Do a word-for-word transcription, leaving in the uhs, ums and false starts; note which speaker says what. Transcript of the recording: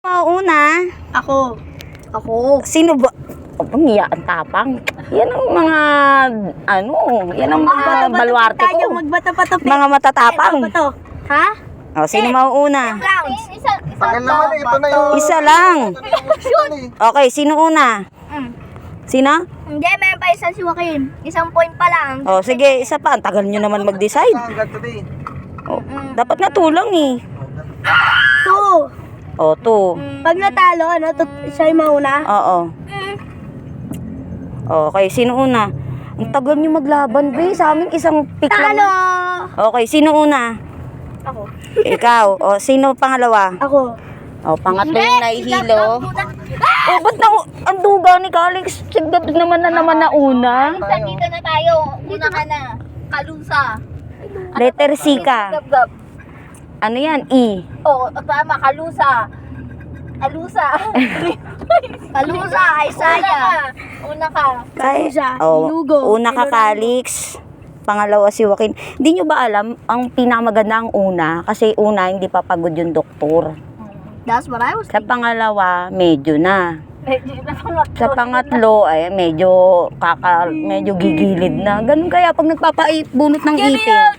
Speaker 1: Mauna,
Speaker 2: Ako. Ako.
Speaker 1: sino ba? Oh, pangiya ang tapang. Yan ang mga, ano, yan ang mga baluarte
Speaker 2: tayo,
Speaker 1: ko.
Speaker 2: magbata-bata.
Speaker 1: Mga matatapang.
Speaker 2: Ano ba to? Ha?
Speaker 1: O, sino mauuna?
Speaker 2: Rounds.
Speaker 3: Isa, isa
Speaker 4: Tagal naman eh, ito na yung...
Speaker 1: Isa lang.
Speaker 4: Shoot!
Speaker 1: Okay, sino una?
Speaker 3: Mm.
Speaker 1: Sino?
Speaker 3: Hindi, meron pa isang si Joaquin. Isang point pa lang.
Speaker 1: O, sige, isa pa. Ang tagal nyo naman mag-decide.
Speaker 4: Hanggang today.
Speaker 1: O, dapat nga tulang eh.
Speaker 2: Two.
Speaker 1: O, two.
Speaker 2: Pag natalo, ano, to, siya yung mauna.
Speaker 1: Oo. Okay, sino una? Ang tagal nyo maglaban, be. Sa amin, isang pick lang.
Speaker 2: Talo!
Speaker 1: Okay, sino una?
Speaker 2: Ako.
Speaker 1: Ikaw. O, sino pangalawa?
Speaker 2: Ako.
Speaker 1: O, pangatlo yung nahihilo. O, ba't na, ang duga ni Calix? Sigap naman na naman na una.
Speaker 3: Isa dito na tayo. Una ka na. Kalusa.
Speaker 1: Letter C ka.
Speaker 3: Gab-gab.
Speaker 1: Ano yan? E.
Speaker 3: Oo, tama. Kalusa. Kalusa. Kalusa. Isaya. Una ka.
Speaker 2: Kalusa,
Speaker 1: Oh,
Speaker 2: Ilugo,
Speaker 1: una ka,
Speaker 2: Ilorano.
Speaker 1: Calix. Pangalawa si Joaquin. Hindi nyo ba alam, ang pinakamaganda ang una, kasi una, hindi pa pagod yung doktor.
Speaker 2: That's what I was
Speaker 1: Sa pangalawa, medyo na.
Speaker 3: Medyo na pangatlo.
Speaker 1: Sa pangatlo, ay medyo kaka, medyo gigilid na. Ganun kaya pag nagpapaibunot ng ipin.